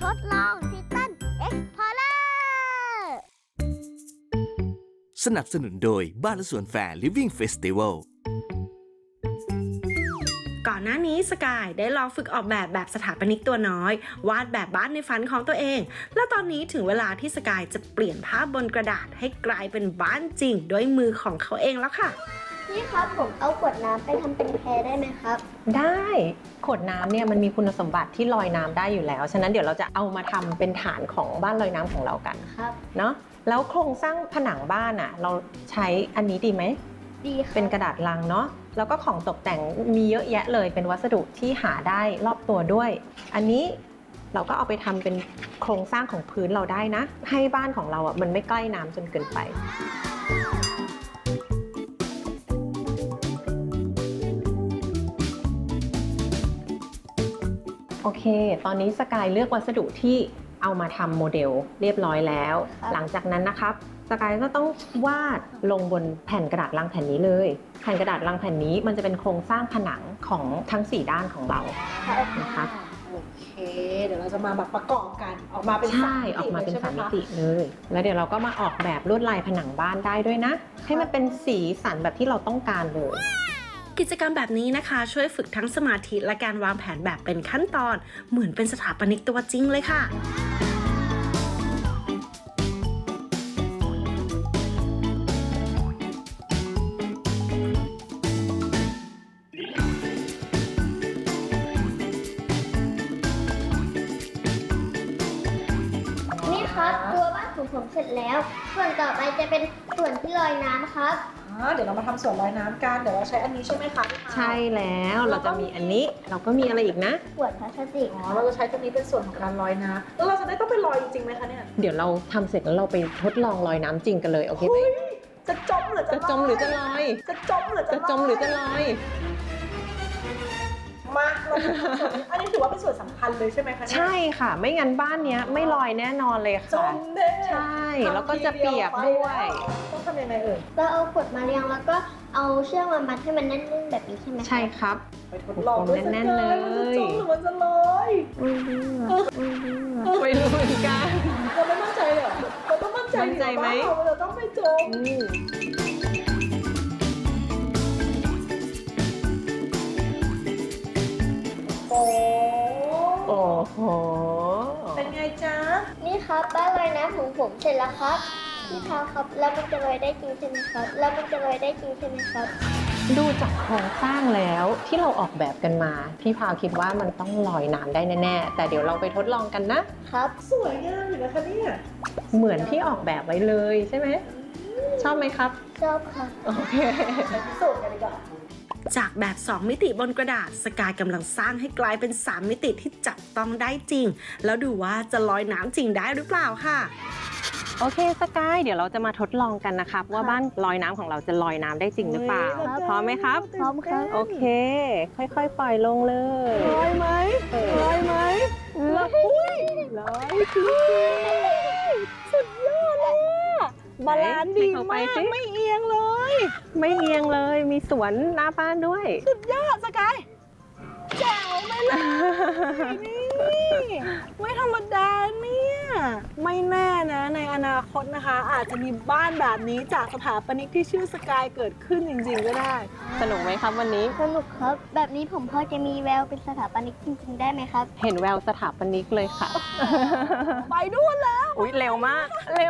ทดลองทิตันเอ็กพอร์เลอร์สนับสนุนโดยบ้านและสวนแฟร์ Living Festival ก่อนหน้านี้สกายได้ลองฝึกออกแบบสถาปนิกตัวน้อย วาดแบบบ้านในฝันของตัวเอง และตอนนี้ถึงเวลาที่สกายจะเปลี่ยนภาพบนกระดาษให้กลายเป็นบ้านจริงด้วยมือของเขาเองแล้วค่ะพี่ครับผมเอาขวดน้ำไปทำเป็นแพได้ไหมครับได้ขวดน้ำเนี่ยมันมีคุณสมบัติที่ลอยน้ำได้อยู่แล้วฉะนั้นเดี๋ยวเราจะเอามาทำเป็นฐานของบ้านลอยน้ำของเรากันครับเนาะแล้วโครงสร้างผนังบ้านอ่ะเราใช้อันนี้ดีไหมดีค่ะเป็นกระดาษลังเนาะแล้วก็ของตกแต่งมีเยอะแยะเลยเป็นวัสดุที่หาได้รอบตัวด้วยอันนี้เราก็เอาไปทำเป็นโครงสร้างของพื้นเราได้นะให้บ้านของเราอ่ะมันไม่ใกล้น้ำจนเกินไปโอเคตอนนี้สกายเลือกวัสดุที่เอามาทำโมเดลเรียบร้อยแล้วหลังจากนั้นนะครับสกายก็ต้องวาดลงบนแผ่นกระดาษลังแผ่นนี้เลยแผ่นกระดาษลังแผ่นนี้มันจะเป็นโครงสร้างผนังของทั้ง4ด้านของเรานะคะโอเคเดี๋ยวเราจะมาแบบประกอบกันออกมาเป็นใช่ออกมาเป็น3มิติเลยแล้วเดี๋ยวเราก็มาออกแบบลวดลายผนังบ้านได้ด้วยนะให้มันเป็นสีสันแบบที่เราต้องการเลยกิจกรรมแบบนี้นะคะช่วยฝึกทั้งสมาธิและการวางแผนแบบเป็นขั้นตอนเหมือนเป็นสถาปนิกตัวจริงเลยค่ะนี่ครับตัวบ้านของผมเสร็จแล้วส่วนต่อไปจะเป็นส่วนที่ลอยน้ำครับเดี๋ยวเรามาทำส่วนลอยน้ำกันเดี๋ยวเราใช้อันนี้ใช่ไหมคะใช่แล้วเราจะมีอันนี้เราก็มีอะไรอีกนะขวดพลาสติกเราจะใช้ตัวนี้เป็นส่วนของการลอยน้ำแล้วเราจะได้ต้องไปลอยจริงๆไหมคะเนี่ยเดี๋ยวเราทำเสร็จแล้วเราไปทดลองลอยน้ำจริงกันเลยโอเคไหมจะจมหรือจะลอยจะจมหรือจะลอยมาอันนี้ถือว่าเป็นส่วนสำคัญเลยใช่ไหมคะใช่ค่ะไม่งั้นบ้านนี้ไม่ลอยแน่นอนเลยค่ะจมแน่ใช่แล้วก็จะเปียกด้วยต้องทำยังไงเอ่ยก็เอาขวดมาเรียงแล้วก็เอาเชือกมามัดให้มันแน่นๆแบบนี้ใช่ไหมใช่ครับไปทดลองแน่นๆเลยมันจะจมหรือมันจะลอยไม่รู้เหมือนกันเราไม่มั่นใจเหรอเราต้องมั่นใจไหมเราต้องไม่จมโอ้โหเป็นไงจ๊ะนี่ครับบ้านลอยน้ำของผมเสร็จแล้วครับพี่พาวครับแล้วมันจะลอยได้จริงใช่ไหมครับดูจากโครงสร้างแล้วที่เราออกแบบกันมาพี่พาวคิดว่ามันต้องลอยน้ำได้แน่ๆแต่เดี๋ยวเราไปทดลองกันนะครับสวยงามอยู่นะคะเนี่ยเหมือนที่ออกแบบไว้เลยใช่ไหมชอบไหมครับชอบค่ะโอเคไปพิสูจน์กันดีกว่าจากแบบ2มิติบนกระดาษสกายกำลังสร้างให้กลายเป็น3มิติที่จับต้องได้จริงแล้วดูว่าจะลอยน้ำจริงได้หรือเปล่าค่ะโอเคสกายเดี๋ยวเราจะมาทดลองกันนะครับว่าบ้านลอยน้ำของเราจะลอยน้ำได้จริงหรือเปล่าพร้อมไหมครับพร้อมครับโอเคค่อยๆปล่อยลงเลยลอยไหมลอยไหมลอยสุดยอดเลยบาลานซ์ดีมากไม่เอียงเลยมีสวนหน้าบ้านด้วยสุดยอดสกายแจ๋วไปเลยนี่ไม่ธรรมดาเนี่ยไม่แน่นะในอนาคตนะคะอาจจะมีบ้านแบบนี้จากสถาปนิกที่ชื่อสกายเกิดขึ้นจริงๆก็ได้สนุกไหมครับวันนี้สนุกครับแบบนี้ผมพอจะมีแววเป็นสถาปนิกจริงๆได้ไหมครับเห็นแววสถาปนิกเลยค่ะไปด้วยแล้วอุ๊ยเร็วมาก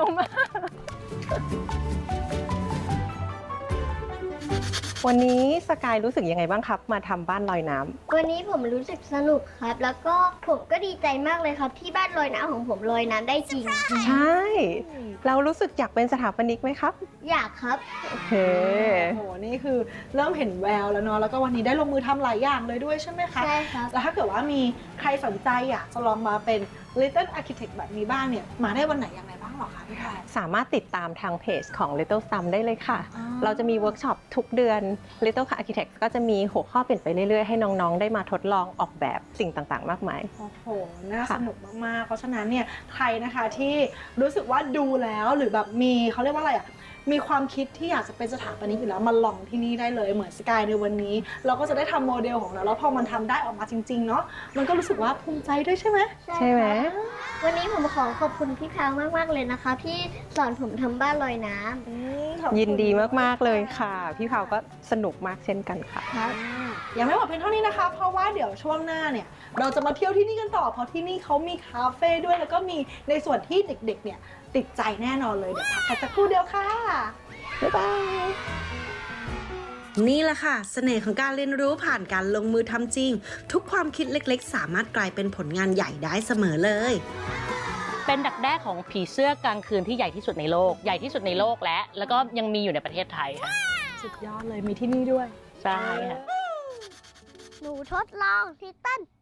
วันนี้สกายรู้สึกยังไงบ้างครับมาทำบ้านลอยน้ำวันนี้ผมรู้สึกสนุกครับแล้วก็ผมก็ดีใจมากเลยครับที่บ้านลอยน้ำของผมลอยน้ำได้จริงใช่เรารู้สึกอยากเป็นสถาปนิกไหมครับอยากครับโอเคโอ้โหนี่คือเริ่มเห็นแววแล้วเนาะแล้วก็วันนี้ได้ลงมือทำหลายอย่างเลยด้วยใช่ไหมคะใช่ครับแล้วถ้าเกิดว่ามีใครสนใจอยากจะลองมาเป็น Little Architect แบบนี้บ้างเนี่ยมาได้วันไหนยังไงบ้างหรอคะพี่พายสามารถติดตามทางเพจของ Little Stum ได้เลยค่ะเราจะมีเวิร์กช็อปทุกเดือน Little Architect ก็จะมีหัวข้อเปลี่ยนไปเรื่อยๆให้น้องๆได้มาทดลองออกแบบสิ่งต่างๆมากมายโอ้โหน่าสนุกมากๆเพราะฉะนั้นเนี่ยใครนะคะที่รู้สึกว่าดูแล้วหรือแบบมีเขาเรียกว่าอะไรอ่ะมีความคิดที่อยากจะเป็นสถาปนิกอยู่แล้วมาลองที่นี่ได้เลยเหมือนสกายในวันนี้ เราก็จะได้ทำโมเดลของเราแล้วพอมันทำได้ออกมาจริงๆเนาะมันก็รู้สึกว่าภูมิใจด้วยใช่ไหมใช่ไหมวันนี้ผมขอขอบคุณพี่แพรวมากๆเลยนะคะที่สอนผมทำบ้านลอยน้ำยินดีมากๆเลยค่ะ พี่เผาก็สนุกมากเช่นกันค่ะครับยังไม่หมดเพียงเท่านี้นะคะ เพราะว่าเดี๋ยวช่วงหน้าเนี่ยเราจะมาเที่ยวที่นี่กันต่อเพราะที่นี่เขามีคาเฟ่ด้วยแล้วก็มีในส่วนที่เด็กๆเนี่ยติดใจแน่นอนเลยเดี๋ยวพักกันสักครู่เดียวค่ะบ๊ายบายนี่แหละค่ะ เสน่ห์ของการเรียนรู้ผ่านการลงมือทำจริง ทุกความคิดเล็กๆ สามารถกลายเป็นผลงานใหญ่ได้เสมอเลยเป็นดักแด้ของผีเสื้อกลางคืนที่ใหญ่ที่สุดในโลก ใหญ่ที่สุดในโลกแล้วก็ยังมีอยู่ในประเทศไทยค่ะสุดยอดเลยมีที่นี่ด้วยใช่ค่ะหนูทดลองทิตัน